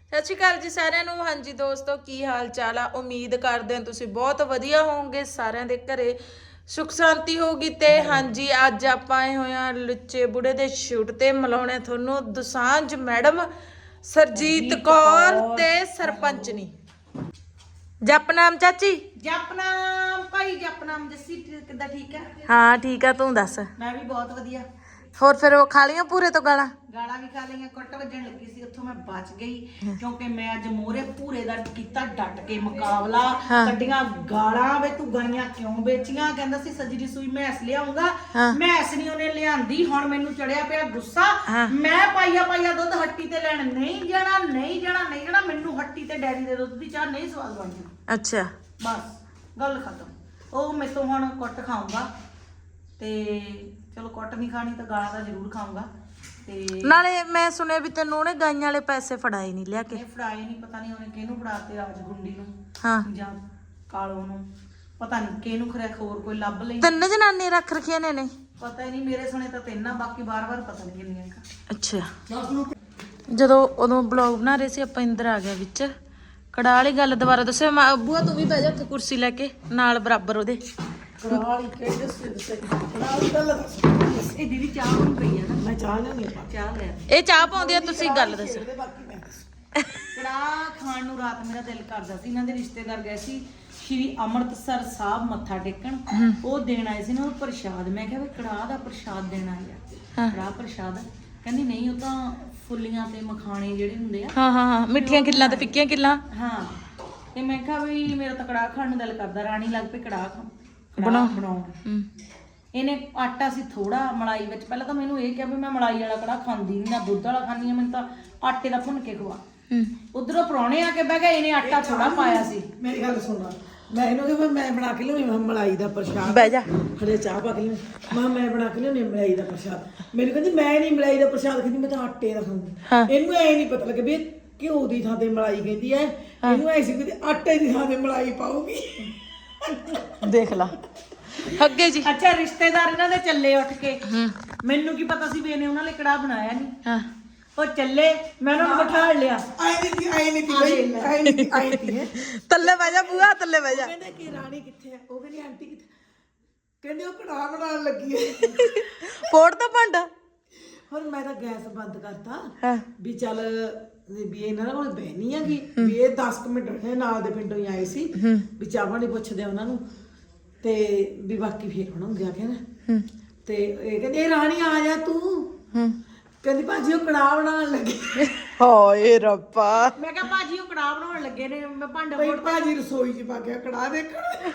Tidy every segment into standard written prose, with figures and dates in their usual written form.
ਸਤਿ ਸ਼੍ਰੀ ਅਕਾਲ ਜੀ ਸਾਰਿਆਂ ਨੂੰ। ਹਾਂਜੀ ਦੋਸਤੋ, ਕੀ ਹਾਲ ਚਾਲ ਆ? ਉਮੀਦ ਕਰਦੇ ਹਾਂ ਤੁਸੀਂ ਬਹੁਤ ਵਧੀਆ ਹੋਵੋਗੇ, ਸਾਰਿਆਂ ਦੇ ਘਰੇ ਸੁਖ ਸ਼ਾਂਤੀ ਹੋਊਗੀ। ਤੇ ਹਾਂਜੀ, ਅੱਜ ਆਪਾਂ ਆਏ ਹੋਏ ਆ ਲੁੱਚੇ ਬੁੜੇ ਦੇ ਸ਼ੂਟ ਤੇ ਮਿਲਾਉਣੇ ਤੁਹਾਨੂੰ ਦੁਸਾਂਝ ਮੈਡਮ ਸਰਜੀਤ ਕੌਰ ਤੇ ਸਰਪੰਚਨੀ। ਜਪਨਾਮ ਚਾਚੀ। ਜਪਨਾਮ ਭਾਈ, ਜਪਨਾਮ। ਜੱਸੀ ਕਿੱਦਾਂ? ਠੀਕ ਹੈ? ਹਾਂ ਠੀਕ ਆ, ਤੂੰ ਦੱਸ। ਮੈਂ ਵੀ ਬਹੁਤ ਵਧੀਆ। ਹੋਰ ਫਿਰ ਉਹ ਖਾ ਲਈਆਂ ਪੂਰੇ ਤੋਂ ਗਾਲਾਂ? ਗਾਲਾਂ ਵੀ ਖਾ ਲਈਆਂ, ਕੁੱਟ ਵੱਜਣ ਲੱਗੀ ਸੀ, ਉੱਥੋਂ ਮੈਂ ਬਚ ਗਈ ਕਿਉਂਕਿ ਮੈਂ ਅੱਜ ਮੋਹਰੇ ਭੂਰੇ ਦਾ ਕੀਤਾ ਡਟ ਕੇ ਮੁਕਾਬਲਾ। ਕੱਢੀਆਂ ਗਾਲਾਂ, ਵੇ ਤੂੰ ਗਾਈਆਂ ਕਿਉਂ ਵੇਚੀਆਂ? ਕਹਿੰਦਾ ਸੀ ਸੱਜਰੀ ਸੂਈ ਮੈਸ ਲਿਆਉਂਗਾ, ਮੈਸ ਨਹੀਂ ਉਹਨੇ ਲਿਆਂਦੀ। ਹੁਣ ਮੈਨੂੰ ਚੜਿਆ ਪਿਆ ਗੁੱਸਾ। ਮੈਂ ਪਾਈਆ ਦੁੱਧ ਹੱਟੀ ਤੇ ਲੈਣ ਨਹੀਂ ਜਾਣਾ, ਨਹੀਂ ਜਾਣਾ, ਨਹੀਂ ਜਾਣਾ। ਮੈਨੂੰ ਹੱਟੀ ਤੇ ਡੈਰੀ ਦੇ ਦੁੱਧ ਦੀ ਚਾਹ ਨਹੀਂ ਸਵਾਦ ਬਣਦੀ। ਅੱਛਾ, ਬਸ ਗੱਲ ਖਤਮ। ਉਹ ਮੈਥੋਂ ਹੁਣ ਕੁੱਟ ਖਾਊਂਗਾ ਤੇ ਚਲੋ ਕੁੱਟ ਨਹੀਂ ਖਾਣੀ ਤਾਂ ਗਾਲਾਂ ਤਾਂ ਜ਼ਰੂਰ ਖਾਊਂਗਾ। ਤੇ ਨਾਲੇ ਮੈਂ ਸੁਣਿਆ ਵੀ ਤੈਨੂੰ ਉਹਨੇ ਗਾਈਆਂ ਵਾਲੇ ਪੈਸੇ ਫੜਾਏ ਨਹੀਂ ਲਿਆ ਕੇ। ਇਹ ਫੜਾਏ ਨਹੀਂ, ਪਤਾ ਨਹੀਂ ਉਹਨੇ ਕਿਹਨੂੰ ਫੜਾਤੇ, ਰਾਜ ਗੁੰਡੀ ਨੂੰ ਜਾਂ ਕਾਲੋ ਨੂੰ, ਪਤਾ ਨਹੀਂ ਕਿਹਨੂੰ। ਖਰੇ ਹੋਰ ਕੋਈ ਲੱਭ ਲਈ। ਤਿੰਨ ਜਨਾਨੀ ਰੱਖ ਰੱਖੀਆਂ ਨੇ ਪਤਾ ਹੀ ਨਹੀਂ, ਮੇਰੇ ਸੁਣੇ ਤਾਂ ਤਿੰਨ ਆ, ਬਾਕੀ ਬਾਰ-ਬਾਰ ਪਤਾ ਨਹੀਂ ਕਿੰਨੀਆਂ। ਅੱਛਾ, ਜਦੋਂ ਉਦੋਂ ਬਲੌਗ ਬਣਾ ਰਹੇ ਸੀ ਆਪਾਂ, ਇੰਦਰ ਆ ਗਿਆ ਵਿੱਚ। ਕੜਾਹ ਵਾਲੀ ਗੱਲ ਦੁਬਾਰਾ ਦੱਸਿਓ। ਬੂਆ ਤੂੰ ਵੀ ਬਹਿ ਜਾ ਉੱਥੇ ਕੁਰਸੀ ਲੈ ਕੇ ਨਾਲ ਬਰਾਬਰ ਉਹਦੇ। ਕੜਾਹ ਵਾਲੀ ਕਿਹੜੀ ਦੱਸੇ? ਕੜਾਹ ਵਾਲੀ ਗੱਲ ਦੱਸ। ਇਹ ਦੀਦੀ ਚਾਹ ਹੁਣ ਪਈ ਆ ਨਾ, ਮੈਂ ਚਾਹ ਲਿਆਉਣੀ ਆ। ਚਾਹ ਲੈ। ਇਹ ਚਾਹ ਪਾਉਂਦੀ ਆ, ਤੁਸੀਂ ਗੱਲ ਦੱਸੋ। ਕੜਾਹ ਖਾਣ ਨੂੰ ਰਾਤ ਮੇਰਾ ਦਿਲ ਕਰਦਾ ਸੀ। ਇਹਨਾਂ ਦੇ ਰਿਸ਼ਤੇਦਾਰ ਗਏ ਸੀ ਸ਼੍ਰੀ ਅੰਮ੍ਰਿਤਸਰ ਸਾਹਿਬ ਮੱਥਾ ਟੇਕਣ, ਉਹ ਦੇਣ ਆਏ ਸੀ ਨਾ ਉਹ ਪ੍ਰਸ਼ਾਦ। ਮੈਂ ਕਿਹਾ ਵੀ ਕੜਾਹ ਦਾ ਪ੍ਰਸ਼ਾਦ ਦੇਣ ਆਏ ਆ, ਕੜਾਹ ਪ੍ਰਸ਼ਾਦ। ਕਹਿੰਦੀ ਨਹੀਂ, ਉਹ ਤਾਂ ਫੁੱਲੀਆਂ ਤੇ ਮਖਾਣੇ ਜਿਹੜੇ ਹੁੰਦੇ ਆ। ਹਾਂ, ਮਿੱਠੀਆਂ ਕਿੱਲਾਂ ਤੇ ਫਿੱਕੀਆਂ ਕਿੱਲਾਂ। ਹਾਂ, ਤੇ ਮੈਂ ਕਿਹਾ ਵੀ ਮੇਰਾ ਤਾਂ ਕੜਾਹ ਖਾਣ ਨੂੰ ਦਿਲ ਕਰਦਾ। ਰਾਣੀ ਲੱਗ ਪਈ ਕੜਾਹ ਬਣਾਉਣ। ਇਹਨੇ ਆਟਾ ਸੀ ਥੋੜਾ ਮਲਾਈ ਵਿੱਚ। ਪਹਿਲਾਂ ਤਾਂ ਮੈਨੂੰ ਇਹ ਕਿਹਾ ਵੀ ਮੈਂ ਮਲਾਈ ਵਾਲਾ ਕੜਾਹ ਖਾਂਦੀ ਨਹੀਂ, ਨਾ ਦੁੱਧ ਵਾਲਾ ਖਾਂਦੀ ਆ, ਮੈਨੂੰ ਤਾਂ ਆਟੇ ਦਾ ਭੁੰਨ ਕੇ ਖਵਾ। ਉਧਰੋਂ ਪ੍ਰਾਹੁਣੇ ਆ ਕੇ ਬਹਿ ਗਏ, ਇਹਨੇ ਆਟਾ ਥੋੜਾ ਪਾਇਆ ਸੀ। ਮੇਰੀ ਗੱਲ ਸੁਣਨਾ, ਮੈਂ ਇਹਨੂੰ ਕਿਹਾ ਮੈਂ ਬਣਾ ਕੇ ਲਿਆਉਣੀ ਮਲਾਈ ਦਾ ਪ੍ਰਸ਼ਾਦ। ਬਹਿ ਜਾ। ਹਲੇ ਚਾਹ ਪਾ ਕੇ ਲਿਆਉਣੀ। ਮੈਂ ਬਣਾ ਕੇ ਲਿਆਉਣੀ ਮਲਾਈ ਦਾ ਪ੍ਰਸ਼ਾਦ। ਮੈਨੂੰ ਕਹਿੰਦੀ ਮੈਂ ਨਹੀਂ ਮਲਾਈ ਦਾ ਪ੍ਰਸ਼ਾਦ ਖਾਂਦੀ, ਮੈਂ ਤਾਂ ਆਟੇ ਦਾ ਖਾਂਦੀ। ਇਹਨੂੰ ਐ ਨਹੀਂ ਪਤਾ ਲੱਗੇ ਵੀ ਘਿਓ ਦੀ ਥਾਂ ਤੇ ਮਲਾਈ ਕਹਿੰਦੀ ਐ। ਇਹਨੂੰ ਐ ਸੀ ਕਿ ਆਟੇ ਦੀ ਥਾਂ ਤੇ ਮਲਾਈ ਪਾਉਗੀ। ਦੇਖ ਲਾ ਅੱਗੇ ਜੀ। ਅੱਛਾ, ਰਿਸ਼ਤੇਦਾਰ ਇਹਨਾਂ ਦੇ ਚੱਲੇ ਉੱਠ ਕੇ। ਮੈਨੂੰ ਕੀ ਪਤਾ ਸੀ ਵੀ ਇਹਨੇ ਉਹਨਾਂ ਲਈ ਕੜਾਹ ਬਣਾਇਆ ਨਹੀਂ। ਉਹ ਚੱਲੇ, ਮੈਂ ਉਹਨਾਂ ਨੂੰ ਬਿਠਾ ਲਿਆ। ਆਈ ਨਹੀਂ ਤੱਲੇ ਬਹਿ ਜਾ ਬੂਆ, ਤੱਲੇ ਬਹਿ ਜਾ। ਕਹਿੰਦੇ ਕਿ ਰਾਣੀ ਕਿੱਥੇ ਹੈ? ਉਹ ਕਹਿੰਦੀ ਆਂਟੀ ਕਿੱਥੇ? ਕਹਿੰਦੇ ਉਹ ਕੜਾਹ ਬਣਾਉਣ ਲੱਗੀ ਹੈ। ਫੋੜ ਤਾਂ ਭਾਂਡਾ। ਹੁਣ ਮੈਂ ਤਾਂ ਗੈਸ ਬੰਦ ਕਰਤਾ ਵੀ ਚੱਲ ਵੀ ਇਹਨਾਂ ਕੋਲ ਬਹਿਣੀ ਹੈਗੀ ਵੀ ਇਹ 10 ਮਿੰਟ ਬੈਠੇ। ਨਾਲ ਦੇ ਪਿੰਡੋਂ ਹੀ ਆਏ ਸੀ ਵੀ ਚਾਹ ਪਾਣੀ ਪੁੱਛਦੇ ਉਹਨਾਂ ਨੂੰ ਤੇ ਵੀ ਬਾਕੀ ਫੇਰ ਬਣਾਉਂਦੇ ਆ ਕਹਿੰਦੇ। ਤੇ ਇਹ ਕਹਿੰਦੇ ਇਹ ਰਾਣੀ ਆ ਜਾ ਤੂੰ। ਕਹਿੰਦੀ ਭਾਜੀ ਉਹ ਕੜਾਹ ਬਣਾਉਣ ਲੱਗੇ। ਹਾਏ ਰੱਬਾ। ਮੈਂ ਕਿਹਾ ਭਾਜੀ ਉਹ ਕੜਾਹ ਬਣਾਉਣ ਲੱਗੇ ਨੇ, ਮੈਂ ਭਾਂਡਾ ਬਈ ਭਾਜੀ ਰਸੋਈ 'ਚ ਪਾ ਗਿਆ ਕੜਾਹ ਦੇਖਣ।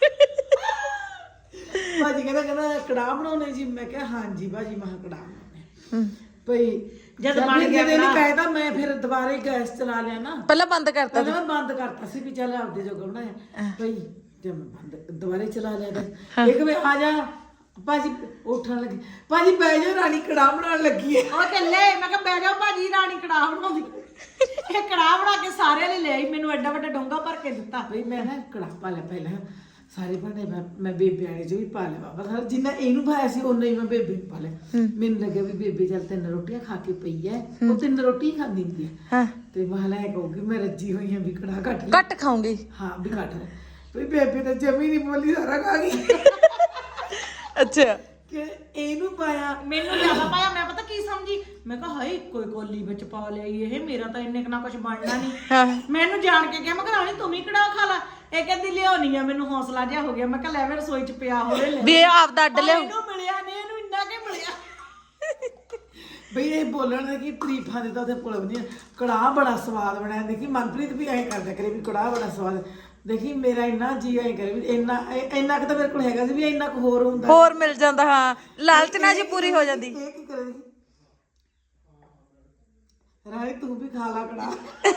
ਭਾਜੀ ਕਹਿੰਦਾ ਕੜਾਹ ਬਣਾਉਣੇ ਜੀ? ਮੈਂ ਕਿਹਾ ਹਾਂਜੀ ਭਾਜੀ, ਮੈਂ ਕੜਾਹ ਬਣਾਉਣੇ। ਭਈ ਜਦ ਬਣ ਗਿਆ ਨਹੀਂ ਕਹਿਦਾ, ਮੈਂ ਫਿਰ ਦੁਬਾਰੇ ਗੈਸ ਚਲਾ ਲਿਆ ਨਾ। ਪਹਿਲਾਂ ਬੰਦ ਕਰਤਾ ਮੈਂ ਬੰਦ ਕਰਤਾ ਸੀ ਵੀ ਚੱਲ ਆਪਦੇ ਜੋਗਾ ਬਣਾਇਆ। ਭਈ ਜਦ ਮੈਂ ਬੰਦ ਦੁਬਾਰੇ ਚਲਾ ਲਿਆ ਇੱਕ ਵੇ ਆ ਜਾ ਭਾਜੀ ਉੱਠਣ ਲੱਗੀ। ਭਾਜੀ ਬਹਿ ਜਾਓ, ਰਾਣੀ ਕੜਾਹ ਬਣਾਉਣ ਲੱਗੀ ਹੈ। ਉਹ ਚੱਲੇ, ਮੈਂ ਕਿਹਾ ਬਹਿ ਜਾਓ ਭਾਜੀ, ਰਾਣੀ ਕੜਾਹ ਬਣਾਉਂਦੀ। ਇਹ ਕੜਾਹ ਬਣਾ ਕੇ ਸਾਰਿਆਂ ਲਈ ਲਿਆਈ, ਮੈਨੂੰ ਐਡਾ ਵੱਡਾ ਡੋਂਗਾ ਭਰ ਕੇ ਦਿੱਤਾ। ਬਈ ਮੈਂ ਨਾ ਕੜਾਹ ਪਾ ਲਿਆ ਪਹਿਲਾਂ, ਸਾਰੇ ਭਾਂਡੇ ਮੈਂ ਬੇਬੇ ਵਾਲੇ 'ਚ ਵੀ ਪਾ ਲਿਆ। ਬਾਬਾ ਜਿੰਨਾ ਇਹਨੂੰ ਪਾਇਆ ਸੀ ਓਨਾ ਹੀ ਮੈਂ ਬੇਬੇ ਨੂੰ ਪਾ ਲਿਆ। ਮੈਨੂੰ ਲੱਗਿਆ ਵੀ ਬੇਬੇ ਚੱਲ 3 ਰੋਟੀਆਂ ਖਾ ਕੇ ਪਈ ਹੈ, ਉਹ 3 ਰੋਟੀ ਹੀ ਖਾਂਦੀ ਹੁੰਦੀ ਹੈ। ਤੇ ਮੈਂ ਲੈ ਕਹੂਗੀ ਮੈਂ ਰੱਜੀ ਹੋਈ ਹਾਂ ਵੀ ਕੜਾਹ ਘੱਟ ਖਾਉਂਗੀ। ਹਾਂ ਵੀ ਘੱਟ ਲੈ। ਵੀ ਬੇਬੇ ਤਾਂ ਜਮੀ ਨਹੀਂ ਬੋਲੀ, ਸਾਰਾ ਖਾ ਗਈ। ਅੱਛਾ, ਕਿ ਇਹਨੂੰ ਪਾਇਆ, ਮੈਨੂੰ ਜ਼ਿਆਦਾ ਪਾਇਆ। ਮੈਂ ਪਤਾ ਕੀ ਸਮਝੀ, ਮੈਂ ਕਿਹਾ ਹਾਏ ਕੋਈ ਕੋਲੀ ਵਿੱਚ ਪਾ ਲਿਆਈ ਇਹ, ਮੇਰਾ ਤਾਂ ਇੰਨੇ ਕੁ ਕੁਝ ਬਣਨਾ ਨਹੀਂ। ਮੈਨੂੰ ਜਾਣ ਕੇ ਕਿਹਾ, ਮੈਂ ਕਿਹਾ ਰਾਣੀ ਤੂੰ ਵੀ ਕੜਾਹ ਖਾ ਲਾ। ਇਹ ਕਹਿੰਦੀ ਲਿਆਉਣੀ ਆ। ਮੈਨੂੰ ਹੌਸਲਾ ਜਿਹਾ ਹੋ ਗਿਆ। ਮੈਂ ਕਿਹਾ ਲੈ ਮੈਂ ਰਸੋਈ 'ਚ ਪਿਆ ਹੋਵੇ ਲੈ। ਵੀ ਇਹ ਆਪਦਾ ਅੱਡ ਲਿਆਓ। ਇਹਨੂੰ ਮਿਲਿਆ ਨਹੀਂ, ਇਹਨੂੰ ਇੰਨਾ ਕਿ ਮਿਲਿਆ। ਬਈ ਇਹ ਬੋਲਣ ਦੇ ਕੀ ਤਾਰੀਫਾਂ ਦੇ ਤਾਂ ਉਹਦੇ ਪੁਲ ਨਹੀਂ। ਕੜਾਹ ਬੜਾ ਸਵਾਦ ਬਣਿਆ। ਦੇਖੀ ਮਨਪ੍ਰੀਤ ਵੀ ਐਂ ਕਰਦਾ ਕਰੇ ਵੀ ਕੜਾਹ ਬੜਾ ਸਵਾਦ। ਦੇਖੀ ਮੇਰਾ ਇੰਨਾ ਜੀ ਐਂ ਕਰੇ ਵੀ ਇੰਨਾ ਕੁ ਤਾਂ ਮੇਰੇ ਕੋਲ ਹੈਗਾ ਸੀ ਵੀ ਇੰਨਾ ਕੁ ਹੋਰ ਹੁੰਦਾ, ਹੋਰ ਮਿਲ ਜਾਂਦਾ। ਹਾਂ, ਲਾਲਚ ਨਾ ਜੀ ਪੂਰੀ ਹੋ ਜਾਂਦੀ। ਇਹ ਕੀ ਕਰੇ ਰਾਣੀ ਤੂੰ ਵੀ ਖਾ ਲਾ ਕੜਾਹ।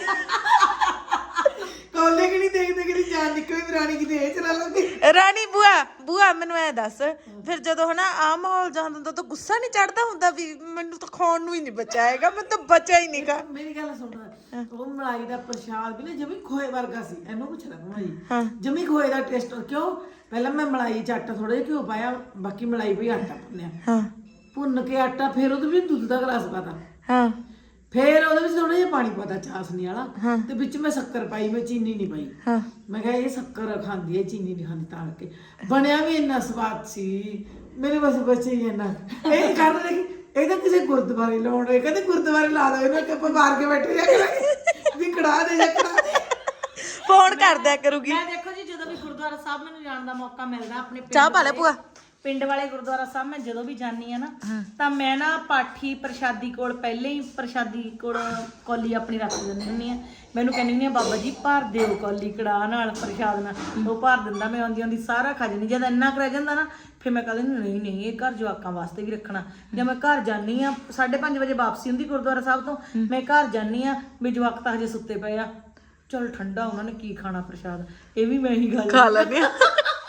ਕੋਲੇ ਕਿ ਨਹੀਂ ਦੇਖਦੇ ਕਿ ਜਾਨ ਨਿਕਲੇ ਵੀ ਰਾਣੀ ਕਿਤੇ ਇਹ ਚਲਾ ਲਓਗੇ। ਰਾਣੀ ਬੂਆ ਮੈਨੂੰ ਐ ਦੱਸ, ਫਿਰ ਜਦੋਂ ਹਨਾ ਆ ਮਾਹੌਲ ਜਾਂ ਹੁੰਦਾ ਤਾਂ ਗੁੱਸਾ ਨਹੀਂ ਚੜਦਾ ਹੁੰਦਾ ਵੀ ਮੈਨੂੰ ਤਾਂ ਖਾਣ ਨੂੰ ਹੀ ਨਹੀਂ ਬਚਿਆ ਹੈਗਾ, ਮੈਨੂੰ ਤਾਂ ਬਚਿਆ ਹੀ ਨਹੀਂ ਗਾ। ਮੇਰੀ ਗੱਲ ਸੁਣ, ਉਹ ਮਲਾਈ ਦਾ ਪ੍ਰਸ਼ਾਦ ਵੀ ਨਾ ਜਮੀ ਖੋਏ ਵਰਗਾ ਸੀ। ਇਹਨੂੰ ਪੁੱਛ ਲੈ ਭਾਈ, ਜਮੀ ਖੋਏ ਦਾ ਟੇਸਟ। ਕਿਉਂ? ਪਹਿਲਾਂ ਮੈਂ ਮਲਾਈ 'ਚ ਆਟਾ ਥੋੜਾ ਜਿਹਾ ਘਿਓ ਪਾਇਆ, ਬਾਕੀ ਮਲਾਈ ਪਈ ਆਟਾ ਭੁੰਨਿਆ। ਭੁੰਨ ਕੇ ਆਟਾ, ਫਿਰ ਉਹਦੇ ਵਿੱਚ ਦੁੱਧ ਦਾ ਗਲਾਸ ਪਾਤਾ। ਫੇਰ ਉਹਦੇ ਵਿੱਚ ਥੋੜਾ ਜਿਹਾ ਪਾਣੀ ਪਾਤਾ ਚਾਸਨੀ ਵਾਲਾ ਤੇ ਵਿੱਚ ਮੈਂ ਸ਼ੱਕਰ ਪਾਈ, ਮੈਂ ਚੀਨੀ ਨਹੀਂ ਪਾਈ। ਮੈਂ ਕਿਹਾ ਇਹ ਸ਼ੱਕਰ ਖਾਂਦੀ ਹੈ, ਚੀਨੀ ਨਹੀਂ ਖਾਂਦੀ, ਤਾਂ ਕਰਕੇ ਬਣਿਆ ਵੀ ਇੰਨਾ ਸਵਾਦ ਸੀ। ਮੇਰੇ ਬਸ ਬੱਚੇ ਹੀ ਇੰਨਾ ਇਹ ਕਰਦੇ ਨੇ ਕਿ ਇਹ ਤਾਂ ਕਿਸੇ ਗੁਰਦੁਆਰੇ ਲਾਉਣੇ, ਕਹਿੰਦੇ ਗੁਰਦੁਆਰੇ ਲਾ ਦੋ ਇਹਨਾਂ ਕਿ ਆਪਾਂ ਮਾਰ ਕੇ ਬੈਠੇ ਜਾ ਕਰਾਂਗੇ ਵੀ ਕੜਾ ਦੇ ਜਾਂ ਕੜਾ ਦੇ। ਫੋਨ ਕਰਦਿਆ ਕਰੂਗੀ। ਮੈਂ ਦੇਖੋ ਜੀ ਜਦੋਂ ਵੀ ਗੁਰਦੁਆਰਾ ਸਾਹਿਬ ਮੈਨੂੰ ਜਾਣ ਦਾ ਮੌਕਾ ਮਿਲਦਾ ਆਪਣੇ ਚਾਹ ਪਾ ਲੈ ਭੂਆ। ਪਿੰਡ ਵਾਲੇ ਗੁਰਦੁਆਰਾ ਸਾਹਿਬ ਮੈਂ ਜਦੋਂ ਵੀ ਜਾਂਦੀ ਆ ਨਾ ਤਾਂ ਮੈਂ ਨਾ ਪਾਠੀ ਪ੍ਰਸ਼ਾਦੀ ਕੋਲ ਪਹਿਲੇ ਹੀ ਪ੍ਰਸ਼ਾਦੀ ਕੋਲ ਕੌਲੀ ਆਪਣੀ ਰੱਖ ਦਿੰਦੀ ਹੁੰਦੀ ਆ। ਮੈਨੂੰ ਕਹਿੰਦੀ ਹੁੰਦੀ ਆ ਬਾਬਾ ਜੀ ਭਰ ਦਿਓ ਕੌਲੀ ਕੜਾਹ ਨਾਲ ਪ੍ਰਸ਼ਾਦ ਨਾਲ। ਉਹ ਭਰ ਦਿੰਦਾ, ਮੈਂ ਆਉਂਦੀ ਆਉਂਦੀ ਸਾਰਾ ਖਾ ਜਾਂਦੀ। ਜਦ ਇੰਨਾ ਕੁ ਰਹਿ ਜਾਂਦਾ ਨਾ ਫਿਰ ਮੈਂ ਕਹਿੰਦੀ ਨਹੀਂ ਨਹੀਂ ਇਹ ਘਰ ਜਵਾਕਾਂ ਵਾਸਤੇ ਵੀ ਰੱਖਣਾ। ਜੇ ਮੈਂ ਘਰ ਜਾਂਦੀ ਆ 5:30 ਵਜੇ ਵਾਪਸੀ ਹੁੰਦੀ ਗੁਰਦੁਆਰਾ ਸਾਹਿਬ ਤੋਂ, ਮੈਂ ਘਰ ਜਾਂਦੀ ਆ ਵੀ ਜਵਾਕ ਤਾਂ ਹਜੇ ਸੁੱਤੇ ਪਏ ਆ, ਚਲ ਠੰਡਾ ਉਹਨਾਂ ਨੇ ਕੀ ਖਾਣਾ ਪ੍ਰਸ਼ਾਦ, ਇਹ ਵੀ ਮੈਂ ਹੀ ਖਾ ਲੈਂਦੇ ਆ।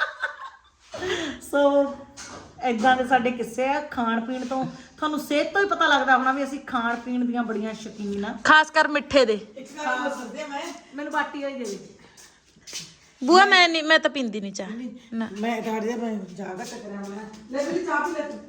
ਸੋ ਇਦਾਂ ਦੇ ਸਾਡੇ ਕਿੱਸੇ ਆ ਖਾਣ ਪੀਣ ਤੋਂ। ਤੁਹਾਨੂੰ ਸਿਹਤ ਤੋਂ ਹੀ ਪਤਾ ਲੱਗਦਾ ਹੋਣਾ ਵੀ ਅਸੀਂ ਖਾਣ ਪੀਣ ਦੀਆਂ ਬੜੀਆਂ ਸ਼ੌਕੀਨ ਆ, ਖਾਸ ਕਰ ਮਿੱਠੇ ਦੇ। ਇੱਕ ਗੱਲ ਦੱਸਦੇ ਮੈਂ ਮੈਨੂੰ ਬਾਟੀ ਵਾਲੀ ਦੇ ਦੇ ਬੂਆ। ਮੈਂ ਨਹੀਂ, ਮੈਂ ਤਾਂ ਪੀਂਦੀ ਨਹੀਂ ਚਾਹ ਨਾ। ਮੈਂ ਤੁਹਾਡੇ ਮੈਂ ਜਾਗਾ ਟਕਰਿਆ ਮੈਂ ਲੈ ਵੀ ਚਾਹ ਪੀ ਲੈ ਤੂੰ।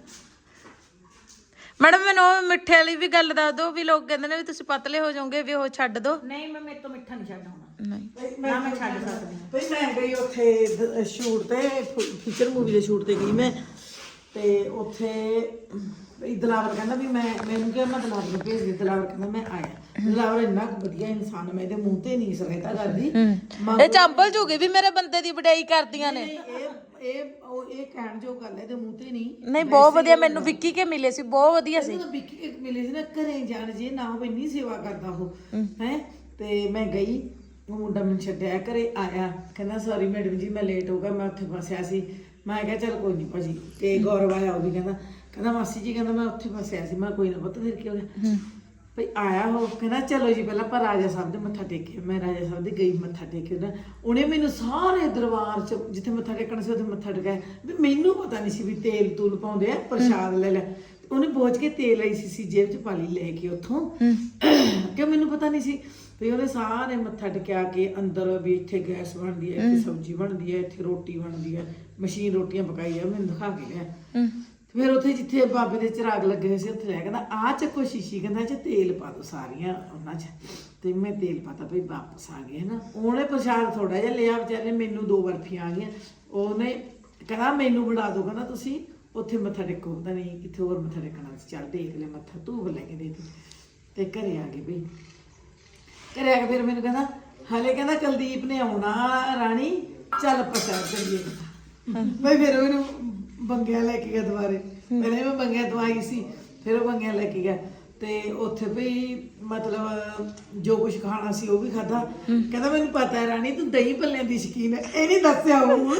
ਮੈਡਮ ਮੈਨੂੰ ਉਹ ਮਿੱਠੇ ਵਾਲੀ ਵੀ ਗੱਲ ਦੱਸ ਦਿਓ ਵੀ ਲੋਕ ਕਹਿੰਦੇ ਨੇ ਵੀ ਤੁਸੀਂ ਪਤਲੇ ਹੋ ਜਾਓਗੇ ਵੀ ਉਹ ਛੱਡ ਦਿਓ। ਨਹੀਂ ਮੈਂ ਮੇਰੇ ਤੋਂ ਮਿੱਠਾ ਨਹੀਂ ਛੱਡ ਹੋਣਾ, ਨਹੀਂ ਨਾ ਮੈਂ ਛੱਡ ਸਕਦੀ ਹਾਂ। ਬਈ ਮੈਂ ਗਈ ਉੱਥੇ ਸ਼ੂਟ ਤੇ, ਫੀਚਰ ਮੂਵੀ ਦੇ ਸ਼ੂਟ ਤੇ ਗਈ ਮੈਂ, ਤੇ ਉੱਥੇ ਬਈ ਦਲਾਵਰ ਕਹਿੰਦਾ ਵੀ ਮੈਨੂੰ ਕਿਹਾ ਮੈਂ ਦਲਾਵਰ ਨੂੰ ਭੇਜ ਦੇ। ਦਲਾਵਰ ਕਹਿੰਦਾ ਮੈਂ ਆਇਆ। ਦਲਾਵਰ ਇੰਨਾ ਕੁ ਵਧੀਆ ਇਨਸਾਨ, ਮੈਂ ਇਹਦੇ ਮੂੰਹ ਤੇ ਨਹੀਂ ਸਰਾਇਤਾ ਕਰਦੀ। ਇਹ ਚੰਬਲ ਜੂਗੀ ਵੀ ਮੇਰੇ ਬੰਦੇ ਦੀ ਵਡਿਆਈ ਕਰਦੀਆਂ ਨੇ। ਇਹ ਕਹਿਣ ਜੋ ਗੱਲ ਹੈ, ਇਹਦੇ ਮੂੰਹ ਤੇ ਨਹੀਂ। ਨਹੀਂ ਬਹੁਤ ਵਧੀਆ, ਮੈਨੂੰ ਵਿੱਕੀ ਕੇ ਮਿਲੇ ਸੀ, ਬਹੁਤ ਵਧੀਆ ਸੀ। ਜਦੋਂ ਵਿੱਕੀ ਕੇ ਮਿਲੇ ਸੀ ਨਾ, ਘਰੇ ਜਾਣ ਜੇ ਨਾ ਉਹ ਇੰਨੀ ਸੇਵਾ ਕਰਦਾ ਉਹ ਹੈ। ਤੇ ਮੈਂ ਗਈ, ਉਹ ਮੁੰਡਾ ਮੈਨੂੰ ਛੱਡਿਆ, ਘਰੇ ਆਇਆ, ਕਹਿੰਦਾ ਸੌਰੀ ਮੈਡਮ ਜੀ ਮੈਂ ਲੇਟ ਹੋ ਗਿਆ, ਮੈਂ ਉੱਥੇ ਫਸਿਆ ਸੀ। ਮੈਂ ਕਿਹਾ ਚੱਲ ਕੋਈ ਨਹੀਂ ਭਾਜੀ। ਤੇ ਗੌਰਵ ਆਇਆ, ਉਹ ਵੀ ਕਹਿੰਦਾ ਮਾਸੀ ਜੀ, ਕਹਿੰਦਾ ਮੈਂ ਉੱਥੇ ਫਸਿਆ ਸੀ। ਮੈਂ ਕੋਈ ਨਾ ਪੁੱਤ ਫਿਰ ਕੀ ਹੋ ਗਿਆ ਭਈ। ਆਇਆ ਉਹ ਕਹਿੰਦਾ ਚਲੋ ਜੀ ਪਹਿਲਾਂ ਆਪਾਂ ਰਾਜਾ ਸਾਹਿਬ ਦੇ ਮੱਥਾ ਟੇਕਿਆ। ਮੈਂ ਰਾਜਾ ਸਾਹਿਬ ਦੇ ਗਈ, ਮੱਥਾ ਟੇਕਿਆ। ਉਹਨੇ ਮੈਨੂੰ ਸਾਰੇ ਦਰਬਾਰ 'ਚ ਜਿੱਥੇ ਮੱਥਾ ਟੇਕਣਾ ਸੀ ਉੱਥੇ ਮੱਥਾ ਟੇਕਿਆ। ਵੀ ਮੈਨੂੰ ਪਤਾ ਨਹੀਂ ਸੀ ਵੀ ਤੇਲ ਤੂਲ ਪਾਉਂਦੇ ਆ, ਪ੍ਰਸ਼ਾਦ ਲੈ ਲੈ। ਉਹਨੇ ਬੋਝ ਕੇ ਤੇਲ ਆਈ ਸੀ ਜੇਬ 'ਚ ਪਾ ਲਈ ਲੈ ਕੇ ਉੱਥੋਂ, ਕਿ ਮੈਨੂੰ ਪਤਾ ਨਹੀਂ ਸੀ। ਵੀ ਉਹਨੇ ਸਾਰੇ ਮੱਥਾ ਟੇਕਿਆ ਕੇ ਅੰਦਰ ਵੀ ਇੱਥੇ ਗੈਸ ਬਣਦੀ ਹੈ, ਇੱਥੇ ਸਬਜ਼ੀ ਬਣਦੀ ਹੈ, ਇੱਥੇ ਰੋਟੀ ਬਣਦੀ ਹੈ, ਮਸ਼ੀਨ ਰੋਟੀਆਂ ਪਕਾਈ ਆ, ਮੈਨੂੰ ਦਿਖਾ ਕੇ ਲਿਆ। ਫਿਰ ਉੱਥੇ ਜਿੱਥੇ ਬਾਬੇ ਦੇ ਚਿਰਾਗ ਲੱਗੇ ਹੋਏ ਸੀ ਉੱਥੇ ਲੈ ਕਹਿੰਦਾ ਆਹ ਚੱਕੋ ਸ਼ੀਸ਼ੀ, ਕਹਿੰਦਾ ਚ ਤੇਲ ਪਾ ਦੋ ਸਾਰੀਆਂ ਉਹਨਾਂ 'ਚ। ਤੇ ਮੈਂ ਤੇਲ ਪਾਤਾ ਭਈ ਵਾਪਸ ਆ ਗਏ ਹਨਾ। ਉਹਨੇ ਪ੍ਰਸ਼ਾਦ ਥੋੜਾ ਜਿਹਾ ਲਿਆ ਵਿਚਾਰੇ, ਮੈਨੂੰ 2 ਬਰਫੀਆਂ ਆ ਗਈਆਂ। ਉਹਨੇ ਕਹਿੰਦਾ ਮੈਨੂੰ ਬਣਾ ਦੋ, ਕਹਿੰਦਾ ਤੁਸੀਂ ਉੱਥੇ ਮੱਥਾ ਟੇਕੋ, ਪਤਾ ਨਹੀਂ ਕਿੱਥੇ ਹੋਰ ਮੱਥਾ ਟੇਕਣਾ ਸੀ। ਚੱਲ ਟੇਕ ਲੈ ਮੱਥਾ, ਧੂਪ ਲੈ ਕੇ ਦੇ ਦਿੱਤੀ ਤੇ ਘਰੇ ਆ ਗਏ ਭਈ। ਘਰੇ ਆ ਕੇ ਫਿਰ ਮੈਨੂੰ ਕਹਿੰਦਾ ਹਲੇ ਕਹਿੰਦਾ ਕੁਲਦੀਪ ਨੇ ਆਉਣਾ ਰਾਣੀ, ਚੱਲ ਪ੍ਰਸ਼ਾਦ ਕਰੀਏ। ਮੈਂ ਫਿਰ ਉਹਨੂੰ ਬੰਗਿਆ ਲੈ ਕੇ ਗਿਆ ਦੁਬਾਰੇ। ਪਹਿਲੇ ਮੈਂ ਬੰਗਿਆ ਤੋਂ ਆਈ ਸੀ, ਫਿਰ ਉਹ ਬੰਗਿਆ ਲੈ ਕੇ ਗਿਆ। ਤੇ ਉੱਥੇ ਵੀ ਮਤਲਬ ਜੋ ਕੁਝ ਖਾਣਾ ਸੀ ਉਹ ਵੀ ਖਾਧਾ। ਕਹਿੰਦਾ ਮੈਨੂੰ ਪਤਾ ਹੈ ਰਾਣੀ ਤੂੰ ਦਹੀਂ ਭੱਲਿਆਂ ਦੀ ਸ਼ੌਕੀਨ ਹੈ, ਇਹ ਨਹੀਂ ਦੱਸਿਆ ਉਹ।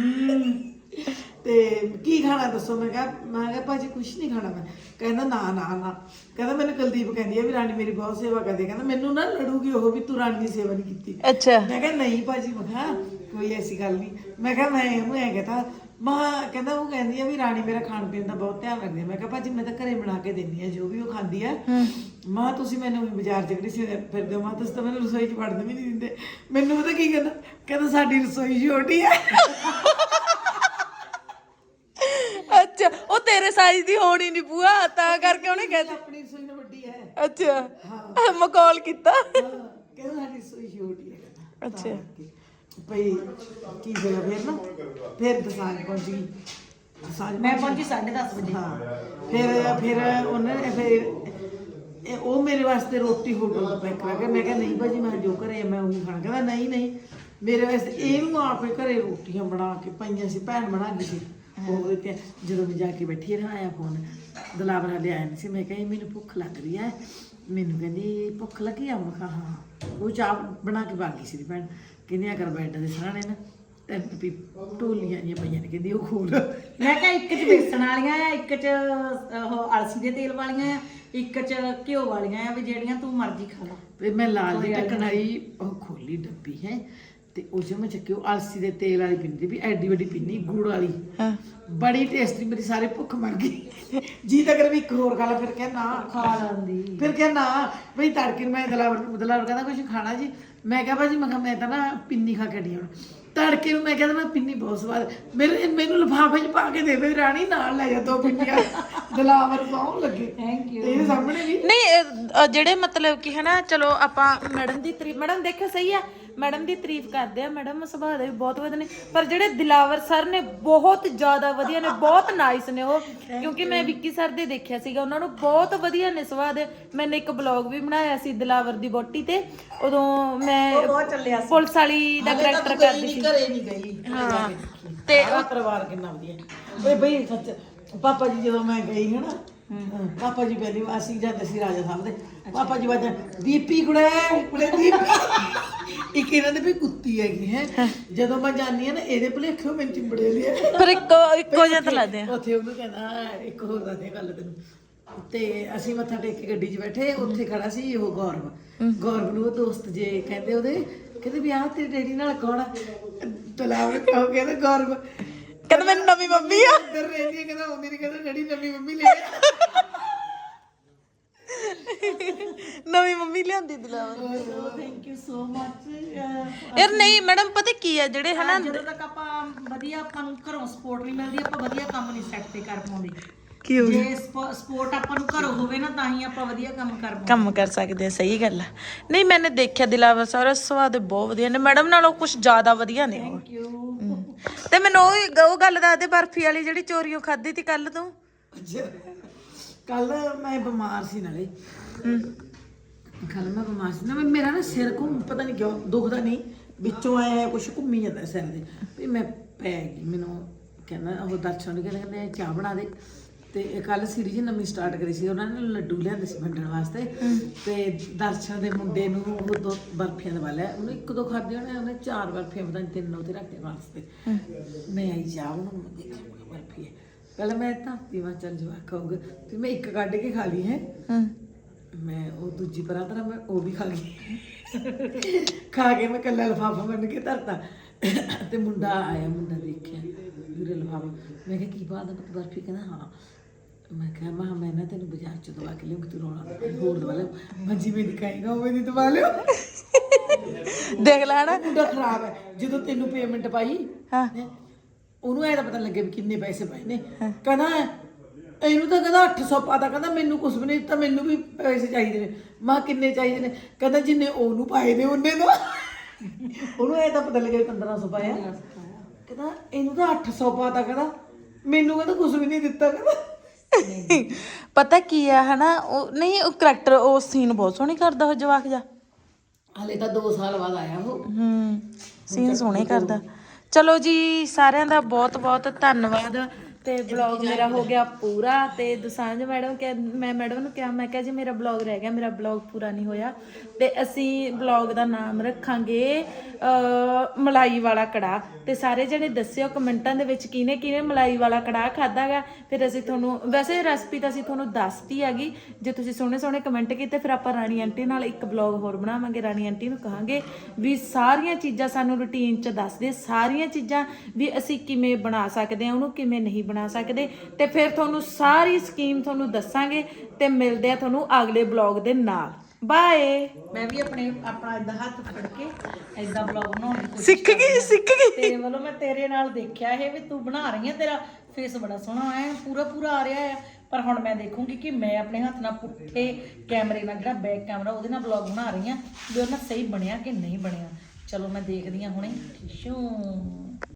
ਤੇ ਕੀ ਖਾਣਾ ਦੱਸੋ? ਮੈਂ ਕਿਹਾ ਭਾਜੀ ਕੁਝ ਨਹੀਂ ਖਾਣਾ ਮੈਂ। ਕਹਿੰਦਾ ਨਾ ਨਾ ਨਾ, ਕਹਿੰਦਾ ਮੈਨੂੰ ਕੁਲਦੀਪ ਕਹਿੰਦੀ ਆ ਵੀ ਰਾਣੀ ਮੇਰੀ ਬਹੁਤ ਸੇਵਾ ਕਰਦੀ। ਕਹਿੰਦਾ ਮੈਨੂੰ ਨਾ ਲੜੂਗੀ ਉਹ ਵੀ ਤੂੰ ਰਾਣੀ ਦੀ ਸੇਵਾ ਨਹੀਂ ਕੀਤੀ। ਅੱਛਾ। ਮੈਂ ਕਿਹਾ ਨਹੀਂ ਭਾਜੀ, ਮੈਂ ਕਿਹਾ ਕੋਈ ਐਸੀ ਗੱਲ ਨਹੀਂ। ਮੈਂ ਕਿਹਾ ਮੈਂ ਉਹਨੂੰ ਐਂ ਕਹਤਾ ਕਹਿੰਦਾ ਉਹ ਕਹਿੰਦੀ ਆ ਵੀ ਰਾਣੀ ਮੇਰਾ ਖਾਣ ਪੀਣ ਦਾ ਬਹੁਤ ਧਿਆਨ ਰੱਖਦੀ ਆ। ਮੈਂ ਕਿਹਾ ਭਾਜੀ ਮੈਂ ਤਾਂ ਘਰੇ ਬਣਾ ਕੇ ਦਿੰਦੀ ਆ ਜੋ ਵੀ ਉਹ ਖਾਂਦੀ ਆ। ਮਾਂ ਤੁਸੀਂ ਮੈਨੂੰ ਬਾਜ਼ਾਰ ਚ ਕਿਹੜੀ ਫਿਰਦੇ ਹੋ? ਮਾਂ ਤੁਸੀਂ ਤਾਂ ਮੈਨੂੰ ਰਸੋਈ ਚ ਵੜਨ ਵੀ ਨਹੀਂ ਦਿੰਦੇ। ਮੈਨੂੰ ਪਤਾ ਕੀ ਕਹਿੰਦਾ ਸਾਡੀ ਰਸੋਈ ਛੋਟੀ ਆ। ਅੱਛਾ, ਉਹ ਤੇਰੇ ਸਾਈਜ਼ ਦੀ ਹੋਣੀ ਨਹੀਂ ਬੂਆ, ਤਾਂ ਕਰਕੇ ਉਹਨੇ ਕਹਿ ਆਪਣੀ ਰਸੋਈ ਨਾਲ ਵੱਡੀ ਹੈ। ਅੱਛਾ, ਮਕੌਲ ਕੀਤਾ। ਕਹਿੰਦਾ ਸਾਡੀ ਰਸੋਈ ਛੋਟੀ ਹੈ। ਅੱਛਾ ਭਈ ਕੀ ਹੋਇਆ ਫਿਰ ਨਾ, ਫਿਰ ਦਸਾਂਜ ਪਹੁੰਚ ਗਈ। ਮੈਂ ਪਹੁੰਚੀ 10:30 ਵਜੇ। ਹਾਂ ਫਿਰ ਉਹਨੇ ਫਿਰ ਉਹ ਮੇਰੇ ਵਾਸਤੇ ਰੋਟੀ ਹੋਟਲ ਤੋਂ ਪੈਕ ਕਰਾ ਕੇ। ਮੈਂ ਕਿਹਾ ਨਹੀਂ ਭਾਜੀ ਮੈਂ ਜੋ ਘਰੇ ਮੈਂ ਉਹੀ ਖਾਣਾ। ਕਹਿੰਦਾ ਨਹੀਂ ਨਹੀਂ ਮੇਰੇ ਵਾਸਤੇ ਇਹਨੂੰ ਆਪੇ ਘਰੇ ਰੋਟੀਆਂ ਬਣਾ ਕੇ ਪਈਆਂ ਸੀ, ਭੈਣ ਬਣਾ ਗਈ ਸੀ ਉਹ ਦਿੱਤੀਆਂ। ਜਦੋਂ ਮੈਂ ਜਾ ਕੇ ਬੈਠੀ ਨਾ ਆਇਆ ਫੋਨ, ਦਲਾਵਰ ਵਾਲੇ ਆਇਆ ਨਹੀਂ ਸੀ। ਮੈਂ ਕਿਹਾ ਮੈਨੂੰ ਭੁੱਖ ਲੱਗ ਰਹੀ ਹੈ। ਮੈਨੂੰ ਕਹਿੰਦੀ ਭੁੱਖ ਲੱਗੀ ਆ? ਮੈਂ ਕਿਹਾ ਹਾਂ। ਉਹ ਚਾਹ ਬਣਾ ਕੇ ਪਾ ਗਈ ਸੀ ਭੈਣ। ਕਹਿੰਦੀ ਕਰ ਬੈੱਡ ਦੇ ਸਰਾਣੇ ਨਾ ਤੇ ਢੋਲੀਆਂ ਜਿਹੀਆਂ ਪਈਆਂ ਨੇ, ਕਹਿੰਦੀ ਉਹ ਖੋਲ। ਮੈਂ ਕਿਹਾ ਇੱਕ 'ਚ ਬੇਸਣ ਵਾਲੀਆਂ ਆ, ਇੱਕ 'ਚ ਉਹ ਅਲਸੀ ਦੇ ਤੇਲ ਵਾਲੀਆਂ ਆ, ਇੱਕ 'ਚ ਘਿਓ ਵਾਲੀਆਂ ਆ, ਵੀ ਜਿਹੜੀਆਂ ਤੂੰ ਮਰਜ਼ੀ ਖਾ ਲਾ। ਤੇ ਮੈਂ ਲਾਲ ਦੀ ਢੱਕਣ ਵਾਲੀ ਉਹ ਖੋਲੀ ਡੱਬੀ ਹੈ ਤੇ ਉਹ 'ਚ ਮੈਂ ਚੱਕੀ ਉਹ ਅਲਸੀ ਦੇ ਤੇਲ ਵਾਲੀ ਪਿੰਨੀ ਵੀ ਐਡੀ ਵੱਡੀ ਪਿੰਨੀ ਗੁੜ ਵਾਲੀ ਬੜੀ ਟੇਸਟੀ ਮੇਰੀ ਸਾਰੇ ਭੁੱਖ ਮਰ ਗਈ ਜੀ ਤਾਂ ਕਰ ਵੀ ਇੱਕ ਹੋਰ ਖਾ ਲਾ ਫਿਰ ਕਿਹਾ ਨਾ ਖਾ ਲੈਂਦੀ ਫਿਰ ਕਿਹਾ ਨਾ ਬਈ ਤੜਕੇ ਨੂੰ ਮੈਂ ਦਲਾਵਰ ਕਹਿੰਦਾ ਕੁਝ ਖਾਣਾ ਜੀ ਮੈਂ ਕਿਹਾ ਭਾਜੀ ਮੈਂ ਕਿਹਾ ਮੈਂ ਤਾਂ ਨਾ ਪਿੰਨੀ ਖਾ ਕੇ ਹੁਣ ਤੜਕੇ ਨੂੰ ਮੈਂ ਕਹਿੰਦਾ ਮੈਂ ਪਿੰਨੀ ਬਹੁਤ ਸਵਾਦ ਮੈਨੂੰ ਲਿਫਾਫੇ 'ਚ ਪਾ ਕੇ ਦੇਵੇ ਰਾਣੀ ਨਾਲ ਲੈ ਜਾ 2 ਪਿੰਨੀਆਂ ਦਲਾਵਰ ਪਾਉਣ ਲੱਗੇ ਥੈਂਕ ਯੂ ਇਹਦੇ ਸਾਹਮਣੇ ਵੀ ਨਹੀਂ ਜਿਹੜੇ ਮਤਲਬ ਕਿ ਹਨਾ ਚਲੋ ਆਪਾਂ ਮੈਡਮ ਦੀ ਤਾਰੀਫ ਮੈਡਮ ਦੇਖੋ ਸਹੀ ਆ ਮੈਡਮ ਦੀ ਤਾਰੀਫ ਕਰਦੇ ਆ ਮੈਡਮ ਸੁਭਾਅ ਦੇ ਵੀ ਬਹੁਤ ਵਧੀਆ ਨੇ ਪਰ ਜਿਹੜੇ ਦਿਲਾਵਰ ਸਰ ਨੇ ਬਹੁਤ ਜ਼ਿਆਦਾ ਵਧੀਆ ਨੇ ਬਹੁਤ ਨਾਈਸ ਨੇ ਉਹ ਕਿਉਂਕਿ ਮੈਂ ਵਿੱਕੀ ਸਰ ਦੇ ਦੇਖਿਆ ਸੀਗਾ ਉਹਨਾਂ ਨੂੰ ਬਹੁਤ ਵਧੀਆ ਨੇ ਸੁਭਾਅ ਦੇ ਮੈंने ਇੱਕ ਬਲੌਗ ਵੀ ਬਣਾਇਆ ਸੀ ਦਿਲਾਵਰ ਦੀ ਵੋਟੀ ਤੇ ਉਦੋਂ ਮੈਂ ਬਹੁਤ ਚੱਲਿਆ ਸੀ ਪੁਲਿਸ ਵਾਲੀ ਦਾ ਕਰੈਕਟਰ ਕਰਦੀ ਸੀ ਘਰੇ ਨਹੀਂ ਗਈ ਹਾਂ ਤੇ ਸਾਰਾ ਪਰਿਵਾਰ ਕਿੰਨਾ ਵਧੀਆ ਓਏ ਬਈ ਸੱਚ ਪਾਪਾ ਜੀ ਜਦੋਂ ਮੈਂ ਗਈ ਹਨਾ ਪਾਪਾ ਜੀ ਪਹਿਲੀ ਵਾਰ ਅਸੀਂ ਜਾਂਦੇ ਸੀ ਰਾਜਾ ਸਾਹਿਬ ਦੇ ਪਾਪਾ ਜੀ ਵਾਜਾ ਦੀਪੀ ਕੁੜੇ ਦੀਪੀ ਇੱਕ ਇਹਨਾਂ ਦੇ ਵੀ ਕੁੱਤੀ ਹੈਗੀ ਹੈ ਜਦੋਂ ਮੈਂ ਜਾਂਦੀ ਆ ਨਾ ਇਹਦੇ ਭੁਲੇਖੇ ਮੈਨੂੰ ਚਿੰਬੜੇ ਲਿਆ ਫਿਰ ਇੱਕੋ ਜਿਹਾ ਤਾਂ ਲੱਗਦੇ ਆ ਉੱਥੇ ਉਹਨੂੰ ਕਹਿੰਦਾ ਇੱਕ ਹੋਰ ਦੱਸਦੇ ਗੱਲ ਤੈਨੂੰ ਤੇ ਅਸੀਂ ਮੱਥਾ ਟੇਕ ਕੇ ਗੱਡੀ 'ਚ ਬੈਠੇ ਉੱਥੇ ਖੜਾ ਸੀ ਉਹ ਗੌਰਵ ਨੂੰ ਉਹ ਦੋਸਤ ਜੇ ਕਹਿੰਦੇ ਉਹਦੇ ਕਹਿੰਦੇ ਵੀ ਆਹ ਤੇਰੇ ਡੈਡੀ ਨਾਲ ਕੌਣ ਆ ਤਲਾਵ ਕਹੋ ਕਹਿੰਦੇ ਗੌਰਵ ਕਹਿੰਦਾ ਮੈਨੂੰ ਨਵੀਂ ਮੰਮੀ ਆ ਇੱਧਰ ਰਹਿੰਦੀ ਕਹਿੰਦਾ ਆਉਂਦੀ ਨਹੀਂ ਕਹਿੰਦਾ ਡੈਡੀ ਨਵੀਂ ਮੰਮੀ ਲੈ ਨਵੀਂ ਮੰਮੀ ਲਿਆਂਦੀ Dilawar thank you so much ਯਾਰ ਨਹੀਂ ਮੈਡਮ ਪਤਾ ਕੀ ਆ ਜਿਹੜੇ ਹਨਾ ਜਦੋਂ ਤੱਕ ਆਪਾਂ ਵਧੀਆ ਆਪਾਂ ਨੂੰ ਘਰੋਂ ਸਪੋਰਟ ਨਹੀਂ ਮਿਲਦੀ ਆਪਾਂ ਵਧੀਆ ਕੰਮ ਨਹੀਂ ਸੈੱਟ ਤੇ ਕਰ ਪਾਉਂਦੇ ਕੀ ਹੋ ਗਿਆ ਜੇ ਸਪੋਰਟ ਆਪਾਂ ਨੂੰ ਘਰੋਂ ਹੋਵੇ ਨਾ ਤਾਂ ਹੀ ਆਪਾਂ ਵਧੀਆ ਕੰਮ ਕਰ ਪਾਉਂਦੇ ਕੰਮ ਕਰ ਸਕਦੇ ਆ ਸਹੀ ਗੱਲ ਆ ਨਹੀਂ ਮੈंने ਦੇਖਿਆ ਦਿਲਾਵਰ ਸਾਰਾ ਸਵਾਦ ਬਹੁਤ ਵਧੀਆ ਨੇ ਮੈਡਮ ਨਾਲੋਂ ਕੁਝ ਜ਼ਿਆਦਾ ਵਧੀਆ ਨੇ ਉਹ ਥੈਂਕ ਯੂ ਤੇ ਮੈਨੂੰ ਉਹ ਗੱਲ ਦੱਸ ਦੇ ਬਰਫੀ ਵਾਲੀ ਜਿਹੜੀ ਚੋਰੀਓ ਖਾਧੀ ਤੀ ਕੱਲ ਤੂੰ ਕੱਲ ਮੈਂ ਬਿਮਾਰ ਸੀ ਨਾਲੇ ਕੱਲ ਮੈਂ ਬਿਮਾਰ ਸੀ ਨਾ ਮੇਰਾ ਨਾ ਸਿਰ ਘੁੰਮ ਪਤਾ ਨਹੀਂ ਕਿਉਂ ਦੁਖਦਾ ਨਹੀਂ ਵਿੱਚੋਂ ਆਇਆ ਕੁਝ ਘੁੰਮੀ ਜਾਂਦਾ ਸਿਰ ਦੇ ਵੀ ਮੈਂ ਪੈ ਗਈ ਮੈਨੂੰ ਕਹਿੰਦਾ ਉਹ ਦਰਸ਼ਨ ਨੇ ਕਹਿੰਦੇ ਚਾਹ ਬਣਾ ਦੇ ਤੇ ਕੱਲ ਸੀਰੀਜ਼ ਨਵੀਂ ਸਟਾਰਟ ਕਰੀ ਸੀ ਉਹਨਾਂ ਨੇ ਲੱਡੂ ਲਿਆਂਦੇ ਸੀ ਵੰਡਣ ਵਾਸਤੇ ਤੇ ਦਰਸ਼ਨ ਦੇ ਮੁੰਡੇ ਨੂੰ ਉਹ 2 ਬਰਫੀਆਂ ਦਵਾ ਲਿਆ ਉਹਨੇ 1-2 ਖਾਧੇ ਉਹਨੇ 4 ਬਰਫੀਆਂ ਪਤਾ ਨਹੀਂ 3 ਉੱਥੇ ਰੱਖਦੇ ਵਾਸਤੇ ਮੈਂ ਆਈ ਚਾਹ ਬਣਾਉਣ ਮੈਂ ਦੇਖਿਆ ਬਰਫੀ ਹੈ ਪਹਿਲਾਂ ਮੈਂ ਧਾਤੀ ਵਾ ਚੱਲ ਜਵਾ ਖਾਊਗਾ ਤੇ ਮੈਂ ਇੱਕ ਕੱਢ ਕੇ ਖਾ ਲਈ ਹੈ ਮੈਂ ਉਹ ਦੂਜੀ ਪਰਾਂ ਤਰ੍ਹਾਂ ਮੈਂ ਉਹ ਵੀ ਖਾ ਗਈ ਖਾ ਕੇ ਮੈਂ ਕੱਲਾ ਲਿਫਾਫਾ ਬੰਨ ਕੇ ਧਰਤਾ ਤੇ ਮੁੰਡਾ ਆਇਆ ਮੁੰਡਾ ਦੇਖਿਆ ਵੀਰੇ ਲਿਫਾਫਾ ਮੈਂ ਕਿਹਾ ਕੀ ਬਾਤ ਹੈ ਬਰਫੀ ਕਹਿੰਦਾ ਹਾਂ ਮੈਂ ਕਿਹਾ ਮੈਂ ਨਾ ਤੈਨੂੰ ਬਾਜ਼ਾਰ ਚ ਦਵਾ ਕੇ ਲਿਆਉਂਗੀ ਤੂੰ ਰੋਣਾ ਹੋਰ ਦਵਾ ਲਿਓ ਮੈਂ ਜਿਵੇਂ ਦਿਖਾਏਗਾ ਉਵੇਂ ਦੀ ਦਵਾ ਲਿਓ ਦੇਖ ਲੈ ਹਨਾ ਮੁੰਡਾ ਖਰਾਬ ਹੈ ਜਦੋਂ ਤੈਨੂੰ ਪੇਮੈਂਟ ਪਾਈ ਹਾਂ ਉਹਨੂੰ ਐ ਤਾਂ ਪਤਾ ਲੱਗੇ ਵੀ ਕਿੰਨੇ ਪੈਸੇ ਪਾਏ ਨੇ ਕਹਿੰਦਾ ਇਹਨੂੰ ਤਾਂ ਕਹਿੰਦਾ 800 ਪਾਤਾ ਕਹਿੰਦਾ ਮੈਨੂੰ ਕੁਝ ਵੀ ਨਹੀਂ ਦਿੱਤਾ ਮੈਨੂੰ ਵੀ ਪੈਸੇ ਚਾਹੀਦੇ ਨੇ ਮਾਂ ਕਿੰਨੇ ਚਾਹੀਦੇ ਨੇ ਕਹਿੰਦਾ ਜਿੰਨੇ ਉਹਨੂੰ ਪਾਏ ਨੇ ਉਹਨੇ ਤਾਂ ਉਹਨੂੰ ਐ ਤਾਂ ਪਤਾ ਲੱਗੇ 1500 ਪਾਇਆ ਕਹਿੰਦਾ ਇਹਨੂੰ ਤਾਂ 800 ਪਾਤਾ ਕਹਿੰਦਾ ਮੈਨੂੰ ਕਹਿੰਦਾ ਕੁਝ ਵੀ ਨਹੀਂ ਦਿੱਤਾ ਕਹਿੰਦਾ ਪਤਾ ਕੀ ਆ ਹਨਾ ਉਹ ਨਹੀਂ ਉਹ ਕਰੈਕਟਰ ਉਹ ਸੀਨ ਬਹੁਤ ਸੋਹਣੀ ਕਰਦਾ ਉਹ ਜਵਾਕ ਜਾ ਹਲੇ ਤਾਂ 2 ਸਾਲ ਬਾਅਦ ਆਇਆ ਉਹ ਸੀਨ ਸੋਹਣੇ ਕਰਦਾ ਚਲੋ ਜੀ ਸਾਰਿਆਂ ਦਾ ਬਹੁਤ ਬਹੁਤ ਧੰਨਵਾਦ ਤੇ ਬਲੌਗ ਮੇਰਾ ਹੋ ਗਿਆ ਪੂਰਾ ਤੇ ਦੁਸਾਂਝ ਮੈਡਮ ਮੈਂ ਮੈਡਮ ਨੂੰ ਕਿਹਾ ਮੈਂ ਕਿਹਾ ਜੀ ਮੇਰਾ ਬਲੌਗ ਰਹਿ ਗਿਆ ਮੇਰਾ ਬਲੌਗ ਪੂਰਾ ਨਹੀਂ ਹੋਇਆ ਤੇ ਅਸੀਂ ਬਲੌਗ ਦਾ ਨਾਮ ਰੱਖਾਂਗੇ ਮਲਾਈ ਵਾਲਾ ਕੜਾਹ ਤੇ ਸਾਰੇ ਜਣੇ ਦੱਸਿਓ ਕਮੈਂਟਾਂ ਦੇ ਵਿੱਚ ਕਿਹਨੇ ਮਲਾਈ ਵਾਲਾ ਕੜਾਹ ਖਾਦਾਗਾ ਫਿਰ ਅਸੀਂ ਤੁਹਾਨੂੰ ਵੈਸੇ ਰੈਸਪੀ ਤਾਂ ਅਸੀਂ ਤੁਹਾਨੂੰ ਦੱਸਤੀ ਹੈਗੀ ਜੇ ਤੁਸੀਂ ਸੋਹਣੇ ਕਮੈਂਟ ਕੀਤੇ ਫਿਰ ਆਪਾਂ ਰਾਣੀ ਆਂਟੀ ਨਾਲ ਇੱਕ ਬਲੌਗ ਹੋਰ ਬਣਾਵਾਂਗੇ ਰਾਣੀ ਆਂਟੀ ਨੂੰ ਕਹਾਂਗੇ ਵੀ ਸਾਰੀਆਂ ਚੀਜ਼ਾਂ ਸਾਨੂੰ ਰੂਟੀਨ 'ਚ ਦੱਸ ਦੇ ਸਾਰੀਆਂ ਚੀਜ਼ਾਂ ਵੀ ਅਸੀਂ ਕਿਵੇਂ ਬਣਾ ਸਕਦੇ ਹਾਂ ਉਹਨੂੰ ਕਿਵੇਂ ਨਹੀਂ ਬਣਾ ਸਕਦੇ ਤੇ ਫਿਰ ਤੁਹਾਨੂੰ ਸਾਰੀ ਸਕੀਮ ਤੁਹਾਨੂੰ ਦੱਸਾਂਗੇ ਤੇ ਮਿਲਦੇ ਆ ਤੁਹਾਨੂੰ ਅਗਲੇ ਬਲੌਗ ਦੇ ਨਾਲ ਬਾਏ ਮੈਂ ਵੀ ਆਪਣਾ ਇਦਾਂ ਹੱਥ ਫੜ ਕੇ ਇਦਾਂ ਬਲੌਗ ਬਣਾਉਣ ਦੀ ਕੋਸ਼ਿਸ਼ ਸਿੱਖ ਗਈ ਤੇਰੇ ਵੱਲੋਂ ਮੈਂ ਤੇਰੇ ਨਾਲ ਦੇਖਿਆ ਇਹ ਵੀ ਤੂੰ ਬਣਾ ਰਹੀ ਹੈ ਤੇਰਾ ਫੇਸ ਬੜਾ ਸੋਹਣਾ ਹੈ ਪੂਰਾ ਆ ਰਿਹਾ ਹੈ ਪਰ ਹੁਣ ਮੈਂ ਦੇਖੂੰਗੀ ਕਿ ਮੈਂ ਆਪਣੇ ਹੱਥ ਨਾਲ ਪੁੱਠੇ ਕੈਮਰੇ ਨਾਲ ਜਿਹੜਾ ਬੈਕ ਕੈਮਰਾ ਉਹਦੇ ਨਾਲ ਬਲੌਗ ਬਣਾ ਰਹੀ ਹਾਂ ਵੀ ਉਹ ਨਾਲ ਸਹੀ ਬਣਿਆ ਕਿ ਨਹੀਂ ਬਣਿਆ ਚਲੋ ਮੈਂ ਦੇਖਦੀ ਹਾਂ ਹੁਣੇ